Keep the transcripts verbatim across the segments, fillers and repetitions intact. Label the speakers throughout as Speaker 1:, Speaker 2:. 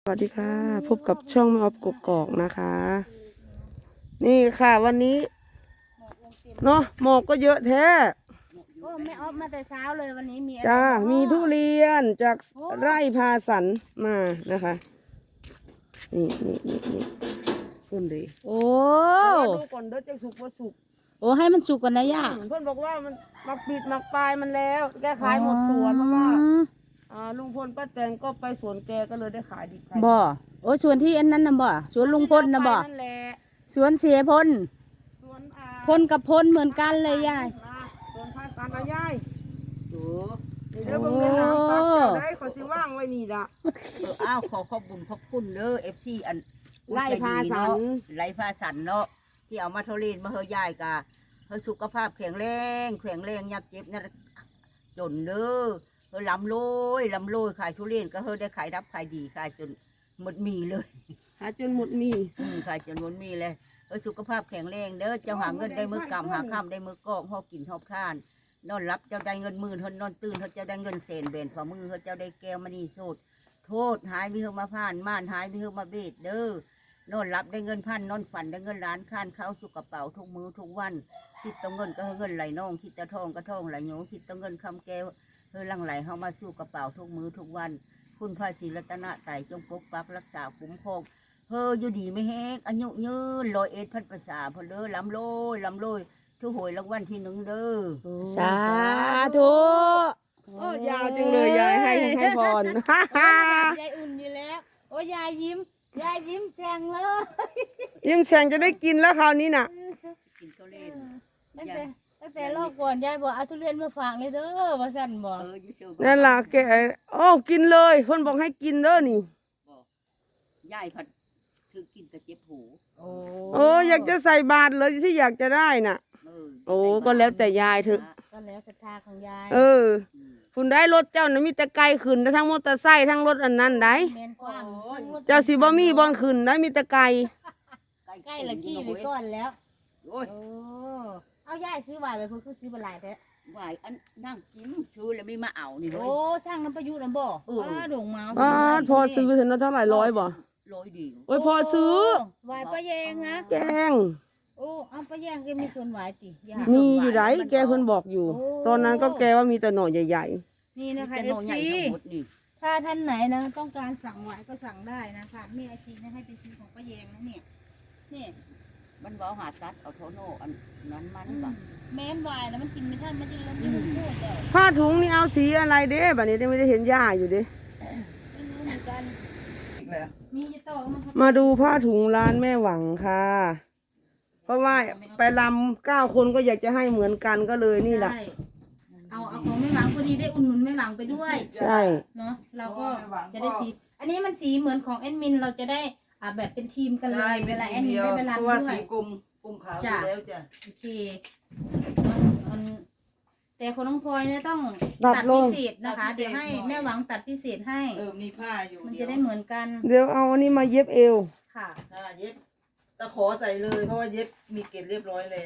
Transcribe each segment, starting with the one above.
Speaker 1: สวัสดีค่ะพบกับช่องแม่ออฟกกอกนะคะ นี่ค่ะวันนี้เนาะหมอกก็เยอะแท้
Speaker 2: โอ้ไม่ออฟมาแต่เช้าเลยวันนี้มีอะไร
Speaker 1: จ้า
Speaker 2: บ้าง
Speaker 1: มีทุเรียนจาก
Speaker 2: โอ้
Speaker 1: ไร่พาสันมานะคะ นี่นี่นี่นี่เพิ่นดี
Speaker 2: โอ้
Speaker 1: ดูก่อนเด้อจะสุกว่าสุก
Speaker 2: โอ้ให้มันสุกก่อนนะย่า
Speaker 1: เพื่อนบอกว่ามันมักปิดมักปลายมันแล้ว แกขายหมดสวนเพราะว่าอ่าลุงพลป้าแตนก็ไปสวนแกก็เลยได้ขายดีขายดี
Speaker 2: บ่โอ้สวนที่อันนั้นนะบ่สวนลุงพลนะบ่
Speaker 1: นั่นแหละ
Speaker 2: สวนเสียพล
Speaker 1: สวนอ่า
Speaker 2: พลกับพลเหมือนกันเลยย่า
Speaker 1: สวนพาสันเอายาย
Speaker 3: โอ้
Speaker 1: เดี๋ยวเบิ่งในหนังปักเจ้าได้ขอสิว่างไว้นี่ละ
Speaker 3: เอออ้าวขอขอบบุญขอบคุณเด้อเอฟซีอัน
Speaker 1: ไล่พาสัน
Speaker 3: ไล่พาสันเนาะที่เอามาเทาเล่นมาเฮยายกะเฮยสุขภาพแข็งแรงแข็งแรงอยักเจ็บเนี่ยจนเด้อเฮยลำโลยลำโลยขายทุเรียนก็เฮยได้ขายรับขายดีขายจนหมดมีเลย
Speaker 1: หาจนหมดมี
Speaker 3: อืมขายจนหมดมีเลยเฮยสุขภาพแข็งแรงเด้อเจ้าหาเงินได้มือกำหาข้ามได้มือกอกหอบกินหอบทาน นอนรับเจ้าได้เงินหมื่นเฮานอนตื่นเฮาเจ้าได้เงินเศนเบนฝ่ามือเฮาเจ้าได้แก้วมณีโสดโทษหายมีเฮามาผ่านม่านหายมีเฮามาเบ็ดเด้อนอนรับได้เงินพันนอนฝันได้เงินล้านค้านเข้าสู่กระเป๋าทุกมือทุกวันคิดต้องเงินก็เงินไหลน้องคิดจะทองก็ทองไหลโยคิดต้องเงินคำแก้วเฮอลังไหลเฮามาสู่กระเป๋าทุกมือทุกวันคุณพระศรีรัตนตรัยจงปกปักรักษาคุ้มครองเฮออยู่ดีไม่แห้งอายุยืนลอยเอ็ดพันภาษาพอเด้อลำโลยลำโลยทุกหวยรางวัลที่หนึ่งเด้อ
Speaker 2: สาธุ
Speaker 1: โอ้ยาวจังเลยยายให้ให้พร
Speaker 2: ยายอุ่นอยู่แล้วโอ้ยายยิ้มยายยิ้มแฉ่งเลย
Speaker 1: ยิ่งแฉงจะได้กินแล้วคราวนี้น่ะ
Speaker 3: กินข้าวเล่น
Speaker 2: ตั้งแต่ตั้งแต่รอบก่อนยายบอกเอาทุเรียนมาฝากเลยเด้อว่าสั่นบอก
Speaker 3: เอออยู่เชียว
Speaker 1: นั่นล่ะแกโอ้กินเลยคนบอกให้กินเด้อนี่
Speaker 3: บอกยายผัดคือกินแต่เจ็บหู
Speaker 2: โอ้
Speaker 1: โอ้อยากจะใส่บาตรเลยที่อยากจะได้น่ะ
Speaker 3: เออ
Speaker 1: โอ้ก็แล้วแต่ยายเถอะ
Speaker 2: ก็แล้วศรัทธาของยาย
Speaker 1: เออ คุณได้รถเจ้านะมีแต่ไกลขึ้นทั้งมอเตอร์ไซค์ทั้งรถอันนั้นได้
Speaker 2: แมนกว้าง
Speaker 1: เจ้าสิบ่มีบอลขึ้นได้มีแต่ไกล
Speaker 2: ใกล้ละกี้ไปก่อนแล้ว
Speaker 3: โอ้ย
Speaker 2: โอ้เอายายซื้อไว้ไปเพิ่นคือซื้อบ่หลายแท้
Speaker 3: ไหวอันนั่งกินซื้อแล้วไม่มาเอานี่เล
Speaker 2: โอ้
Speaker 3: ย
Speaker 2: สร้างน้ำประยุทธ์น้ำบ่
Speaker 3: เออ
Speaker 2: อ้าดงเมา
Speaker 1: อ๋อพอซื้อถึงนั้นเท่าไหร่ร้อยบ่
Speaker 3: ร้อยเดียว
Speaker 1: โอ้ยพอซื้อ
Speaker 2: ไหวป้าแยงนะ
Speaker 1: แกง
Speaker 2: โอ้เอาป้าแยงแกมีส่วนไหวติยา
Speaker 1: มีอยู่ไหนแกเพิ่นบอกอยู่ ตอนนั้นก็แกว่ามีแต่หน่อใหญ่
Speaker 2: นี่นะคะ
Speaker 3: แต่
Speaker 2: เอ
Speaker 3: น้
Speaker 2: ฟ
Speaker 3: องใหญ่
Speaker 2: ซี
Speaker 3: ทั้งหมดนี่
Speaker 2: ถ้าท่านไหนนะต้องการสั่งไหวก็สั่งได้นะคะมีไอซีนะให้ไปซื้อของป้าแยงนะเนี่ยนี่
Speaker 3: มันว่าหาตัดเอาโทโน่อันนั้นมัน
Speaker 2: อืม
Speaker 3: บ่
Speaker 2: แม้นไหวนะมันกินไม่ทันมันจะล้มไม่รู้พูดเลย
Speaker 1: ๆผ้าถุงนี่เอาสีอะไรเด้บัดนี้ยังไม่ได้เห็นย่าอยู่เด้
Speaker 2: ไม่รู้เหมือนกันมีจะต่อมาครับ
Speaker 1: มาดูผ้าถุงร้านแม่หวังค่ะ เพราะว่าไปลำเก้าคนก็อยากจะให้เหมือนกันก็เลยนี่แหละ
Speaker 2: ใช่เอาเอาของแม่หวังพอดีได้อุ่นหนุนแม่หวังไปด้วย
Speaker 1: ใช่
Speaker 2: เนาะเราก็จะได้สี อันนี้มันสีเหมือนของแอดมินเราจะได้อ่าแบบเป็นทีมกันเลยเวลาแอดมินได้เวลา
Speaker 4: เพราะ
Speaker 2: ด้
Speaker 4: ว่า
Speaker 2: วย
Speaker 4: สีกลมกลมขาวอยู่แล้วจ้ะ
Speaker 2: โอเคมันแต่คนน้องพลอยเนี่ยต้อง
Speaker 1: ตัดล
Speaker 2: พิ
Speaker 1: ง
Speaker 2: เศษนะคะ เดี๋ยวให้แม่หวังตัดพิเศษให้
Speaker 4: เออมีผ้าอยู่
Speaker 2: มัน
Speaker 4: เดี
Speaker 2: จะ
Speaker 4: ยว
Speaker 2: ได้เหมือนกัน
Speaker 1: เดี๋ยวเอาอันนี้มาเย็บเอว
Speaker 2: ค่ะ
Speaker 4: อ่าเย็บตะขอใส่เลยเพราะว่าเย็บมีเกล็ดเรียบร้อยแล้ว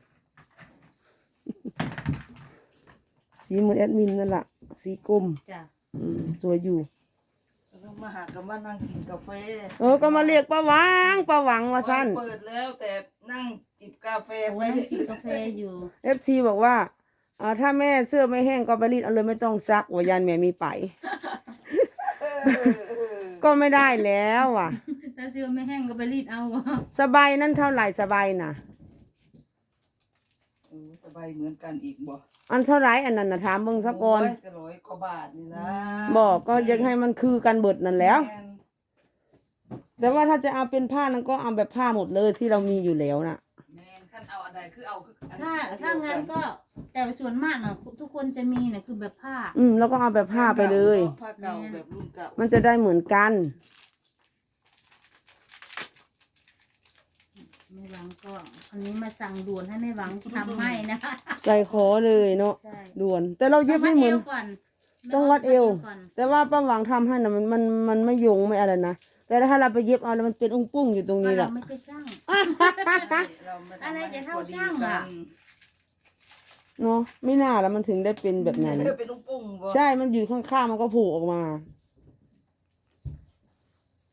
Speaker 1: สีเหมือนแอดมินนั่นแหละสีกลม
Speaker 2: จ้ะ
Speaker 1: อืมสวยอยู่
Speaker 4: แล้วก็มาหากันว่านั่งกินกาแฟ
Speaker 1: เออก็มาเรียกป้าหวังป้าหวังว่าสั้น
Speaker 4: เปิดแล้วแต่นั่งจิบกาแฟ
Speaker 2: โอ้
Speaker 4: ไป
Speaker 2: นั่งกินกาแฟอยู่
Speaker 1: เอฟซีบอกว่าอ่าถ้าแม่เสื้อไม่แห้งก็ไปรีดเอาเลยไม่ต้องซักว่ายันแม่มีไป ก็ไม่ได้แล้วว่ะ
Speaker 2: ถ้าเสื้อไม่แห้งก็ไปรีดเอาวะ
Speaker 1: สบายนั่นเท่าไหร่สบายน่ะ
Speaker 4: เออสบายเหมือนกันอีกบ่
Speaker 1: อันเท่าไหร่อันนั้นนะถามเบิ่งสักก่อน
Speaker 4: โยก็ร้อยกว่าบาทนี่นะ
Speaker 1: บอกก็อยากให้มันคือกันเบิดนั่นแหล้ว
Speaker 4: ม่น
Speaker 1: แต่ว่าถ้าจะเอาเป็นผ้านั้นก็เอาแบบผ้าหมดเลยที่เรามีอยู่แล้วน่ะ
Speaker 4: แม่นขั้นเอาอันใดคือเอาคืออัน
Speaker 2: ถ้าถ้างั้นก็แต่ส่วนมากน่ะทุกคนจะมีน่ะคือแบบผ้า
Speaker 1: อืมแล้วก็เอาแบบผ้าไปเลย
Speaker 4: ผ้าเก่าแบบรุ่นเก่า
Speaker 1: มันจะได้เหมือนกัน
Speaker 2: แม่หวังก็อันนี้มาสั่งด่วนให้แม่หวังทำให้นะคะ
Speaker 1: ใส่คอเลยเนาะ
Speaker 2: ใช่
Speaker 1: ด่วน แต่เราเย็บไม่เหมือน
Speaker 2: ต้องวัดเอวก่อน
Speaker 1: ต้องวัดเอว
Speaker 2: ก่อน
Speaker 1: แต่ว่าป้าหวังทำให้นะมันมันมันไม่โยงไม่อะไรนะแต่ถ้าเราไปเย็บเอาแล้วมันเป็นอุ้งปุ้งอยู่ตรง
Speaker 2: ก็
Speaker 1: นี้แห
Speaker 2: เรา
Speaker 1: ละ
Speaker 2: ไม่ใช่ช่าง
Speaker 4: เราม่ทำ
Speaker 2: อะไร
Speaker 4: ให้
Speaker 2: จะเท่า
Speaker 4: พอดี
Speaker 2: ช่างอะ
Speaker 4: กัน
Speaker 1: เนาะไม่น่าแล้วมันถึงได้เป็นแบบนั้น
Speaker 4: เออเป็นลูกปุ้งบ่
Speaker 1: ใช่มันอยู่ข้างๆมันก็โผล่ออกมา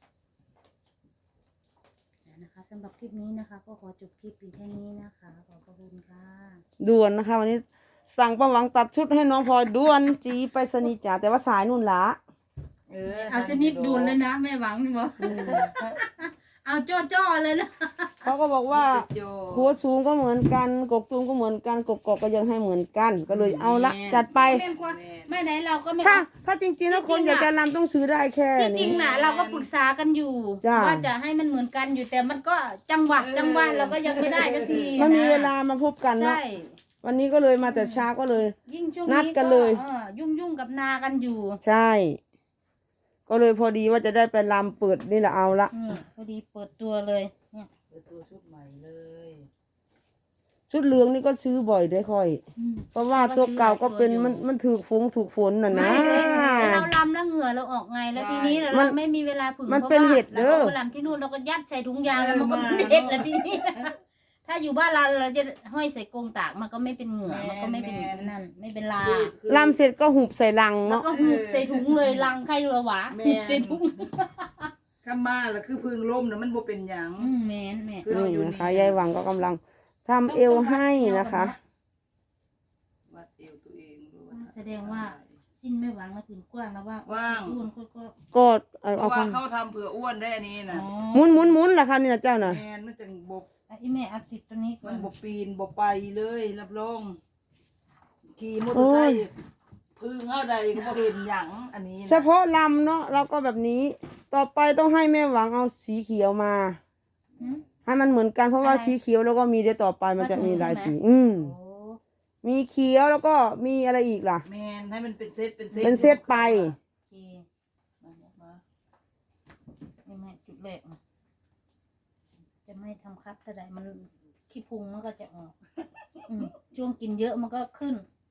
Speaker 2: ำหรับคลิปนี้นะคะ ก็ขอจบคลิปเพียงแค่นี้นะคะขอบพระคุณค่ะ
Speaker 1: ด่วนนะคะ วันนี้สั่งป้าหวังตัดชุดให้น้องพลอยด่วนจีไปสนีย์จ๋าแต่ว่าสายนู่นละ
Speaker 4: เออ
Speaker 2: เอาชนิดด่วนเลยนะแม่หวังนี่บอกเอาจ้อๆเลยนะ
Speaker 1: เขาก็บอกว่า
Speaker 4: โย
Speaker 1: หัวสูงก็เหมือนกันกกตูงก็เหมือนกันกกกอกก็ยังให้เหมือนกัน ก็เลยเอาละจัดไป
Speaker 2: แม่นกว่าแม่ไหนเราก็ไม่
Speaker 1: ถ้าถ้าจริงๆแล้วคนอยากจะรำต้องซื้อได้แค่
Speaker 2: ที่จริง
Speaker 1: นี้
Speaker 2: น่ะเราก็ปรึกษากันอยู่
Speaker 1: จ้ะ
Speaker 2: ว่าจะให้มันเหมือนกันอยู่แต่มันก็จังหวะจังหวะเราก็ยังไม่ได้สักที
Speaker 1: มันมี
Speaker 2: นะ
Speaker 1: เวลามาพบกันเนาะ
Speaker 2: ใช่
Speaker 1: วันนี้ก็เลยมาแต่เช้าก็เลย
Speaker 2: ยิ่งช่วง
Speaker 1: นัด
Speaker 2: นี้
Speaker 1: กันเลย
Speaker 2: ออยุ่งยุ่งๆกับนากันอยู่
Speaker 1: ใช่ ก็เลยพอดีว่าจะได้ไปรำเปิดนี่แหละเอาละ
Speaker 2: นี่พอดีเปิดตัวเลยเนี่ย
Speaker 4: เปิดตัวชุดใหม่เลย
Speaker 1: ชุดเหลืองนี่ก็ซื้อบ่อยได้ค่อย
Speaker 2: อืม
Speaker 1: เพราะว่าตัวเก่าก็เป็นมันมันถูกฝงถูกฝนน่ะนะ
Speaker 2: ไม่เราลำแล้วเหงื่อเราออกไงแล้วทีนี้เรา
Speaker 1: มัน
Speaker 2: ไม่มีเวลาผึ่ง
Speaker 1: มัน
Speaker 2: พราะ
Speaker 1: เป็น
Speaker 2: ว่า
Speaker 1: เห็ดเด้อ
Speaker 2: ราก็ลำที่นู่นเราก็ยัดใส่ถุงยางแล้วมันก็เป็นเห็ดแล้วทีนี้ ถ้าอยู่บ้านเราเราจะห้อยใส่กรงตากมันก็ไม่เป็นเหงื่อมันก็ไม่เป็นนั่นไม่เป็นลา
Speaker 4: คือคือ
Speaker 1: รำเสร็จก็หุบใส่ลัง
Speaker 2: แล้ว
Speaker 1: เนาะ
Speaker 2: ก็หุบใส่ถุงเลยลังใครเหรอวะ
Speaker 4: แม่
Speaker 2: หุบใส่ถุง
Speaker 4: ข้ามาแล้วคือพึ่งล่มนะมันบ่เป็นหยัง
Speaker 2: อืมแม่นแม่น
Speaker 4: คือเอา
Speaker 1: นี่
Speaker 4: อยู่
Speaker 1: นะคะยายหวังก็กำลังทำเอวให้นะคะ
Speaker 4: วัดเอวตัวเองดูว่า
Speaker 2: แสดงว่าสิ้นไม่หวังมาถึงกว้างแล้วว่า
Speaker 4: ว่าง
Speaker 2: อ้วนก็ก็
Speaker 1: ก็เอา
Speaker 4: เพ
Speaker 1: เอา
Speaker 4: ราะว่า
Speaker 1: คำ
Speaker 4: เขาทำเผื่ออ้วนได้อันนี้นะ
Speaker 1: หมุนหมุนหมุนล่ะคะนี่นะเจ้าน่ะ
Speaker 4: แมนมันจังบ
Speaker 2: ไอ้แม่เอาติดตัวนี้ก่อ
Speaker 4: มัน นบปีนบไปเลยรับรองขี่มอเตอร์ไซค์พึ่งเอาใดก็บ่เห็นหยังอันนี้นะ
Speaker 1: เฉพาะลำเนาะเราก็แบบนี้ ต่อไปต้องให้แม่หวังเอาสีเขียวมา
Speaker 2: หืม
Speaker 1: ให้มันเหมือนกันเพราะว่า
Speaker 2: อะไร
Speaker 1: สีเขียวแล้วก็มีเดี๋ยวต่อไปมันจะมีหลาย
Speaker 2: ใช่
Speaker 1: สี
Speaker 2: ไหม
Speaker 1: อืม
Speaker 2: โอ้
Speaker 1: มีเขียวแล้วก็มีอะไรอีกล่ะ
Speaker 4: แมนให้มันเป็นเซตเป็นเซต
Speaker 1: เป็นเซตไป
Speaker 2: โอเคมามามานี่แม่จุดแรกนะจะไม่ทำครับเท่าไหร่มันขี้พุงมันก็จะออกอืมช่วงกินเยอะมันก็ขึ้น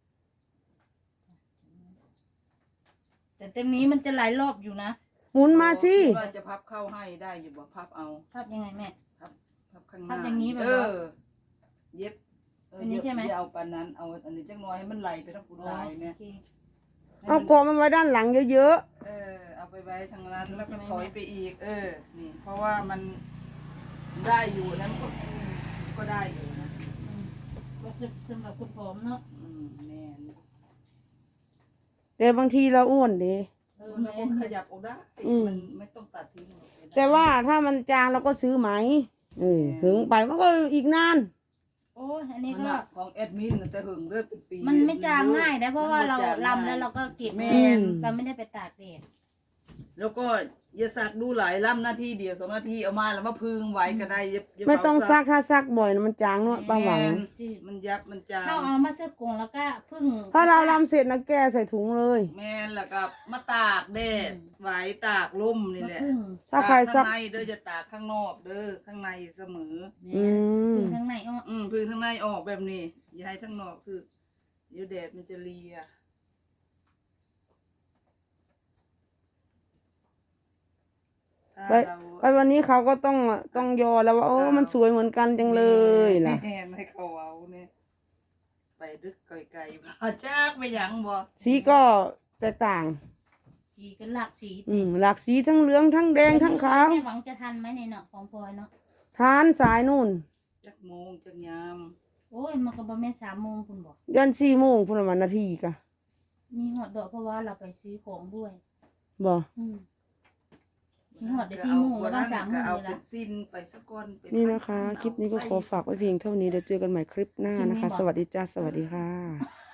Speaker 2: แต่เต็มนี้มันจะหลายรอบอยู่นะ
Speaker 1: หมุนมาสิ
Speaker 4: ว่าจะพับเข้าให้ได้อยู่บ่พับเอา
Speaker 2: ภาพยังไงแม่
Speaker 4: พับพับข้างห
Speaker 2: พั
Speaker 4: น้า
Speaker 2: บอย่างนี้แบบ
Speaker 4: เอ
Speaker 2: ว่า
Speaker 4: อ เย็บเออ
Speaker 2: อันนี้ใช่ไหม
Speaker 4: อย่าเอาปานนั้นเอาอันนี้จังน้อยให้มันไหลไปทั้งคุณลายเนี่ย
Speaker 2: โอเค
Speaker 1: เอากอมันไว้ด้านหลังเยอะ
Speaker 4: เออเอาไปไว้ทางนั้นแล้วก็ถอยไปอีก เออ นี่ เพราะว่ามันได้อยู่นะมันก็ก็ได้อยู่นะ
Speaker 2: อืมก็จะสำหรับคุณผมเนาะ
Speaker 4: อืมแน่น
Speaker 1: ๆ แต่บางทีเราอ้วนดี
Speaker 2: เออ
Speaker 4: แล้ว
Speaker 2: แม่
Speaker 4: ก็ขยับออกได้
Speaker 1: อืม
Speaker 4: มันไม่ต้องตัดทิ้งหรอก
Speaker 1: แต่ว่าถ้ามันจางเราก็ซื้อไหมเออถึงไปมันก็อีกนาน
Speaker 2: โอ้ยอันนี้
Speaker 4: มัน
Speaker 2: ก็
Speaker 4: น่ะของแอดมินน่ะแต่หึงเลือดเป็นปี
Speaker 2: มันไม่จางง่ายนะเพราะว่าเรา
Speaker 4: มันบ่จง
Speaker 2: ลำแล้วเราก็เก็บ
Speaker 4: แม่
Speaker 1: อื
Speaker 4: น
Speaker 1: ม
Speaker 2: เราไม่ได้ไปตากแดด
Speaker 4: แล้วก็อย่าสักดูหลายล่ำหน้าที่เดียวสองนาทีเอามาแล้วมาพึงไว้ก็ได้อย่าอย่า
Speaker 1: ไม่ต้อง
Speaker 4: เผา
Speaker 1: ซักถ้าซักบ่อยนะมันจางเนาะป้าหวัง
Speaker 4: แม่น
Speaker 2: จืด
Speaker 4: มันยับมันจาง
Speaker 2: ถ้าเอามาเสื้อกงแล้วก็พึ่ง
Speaker 1: ถ้าเราลำเสร็จนะแก้ใส่ถุงเลย
Speaker 4: แม่นแล้วก็มาตากแดดไว้ตากลมนี่
Speaker 2: มา
Speaker 4: แหละ
Speaker 2: พึ่ง
Speaker 1: ถ้าใครซั
Speaker 4: ตาก กข้างในเด้อจะตากข้างนอกเด้อข้างในเสมอ
Speaker 1: อืม
Speaker 2: พึ่งข้างในอ้อ
Speaker 4: อืมพึ่งข้างในออกแบบนี้อย่าให้ข้างนอกคือเดี๋ยวแดดมันจะเลียถ้า
Speaker 1: ไป
Speaker 4: เรา
Speaker 1: ไปวันนี้เขาก็ต้องต้องยอแล้วว่าโอ้มันสวยเหมือนกันจังเลยล่ะ
Speaker 4: แม่นให้เขาเอาเนี่ยไปดึกไกลๆพาจากไปหยังบ่
Speaker 1: สีก็แตกต่าง
Speaker 2: สีกันหลักสี
Speaker 1: อืมหลากสีทั้งเหลืองทั้งแดงทั้งขาว
Speaker 2: แม่หวังจะทันไหมในเนาะของพลอยเนาะ
Speaker 1: ทานสายนู่น
Speaker 4: จักโมงจักยาม
Speaker 2: โอ้ยมันก็ประมาณสามโมงคุณบอก
Speaker 1: ยันสี่โมงพุ่นละวันนาทีกะ
Speaker 2: มีหอดดอกเพราะว่าเราไปซื้อของด้วย
Speaker 1: บ่
Speaker 2: อืมมีหอดได้สี่โมงแล้วก็สามโมง
Speaker 4: เอา
Speaker 2: เลย
Speaker 4: เป็
Speaker 2: ละ
Speaker 4: นสิ้นไปสักก้อนเป็
Speaker 1: นี่นะคะ คลิปนี้ก็ขอฝากไว้เพียงเท่านี้เดี๋ยวเจอกันใหม่คลิปหน้านะคะ สวัสดีจ้าสวัสดีค่ะ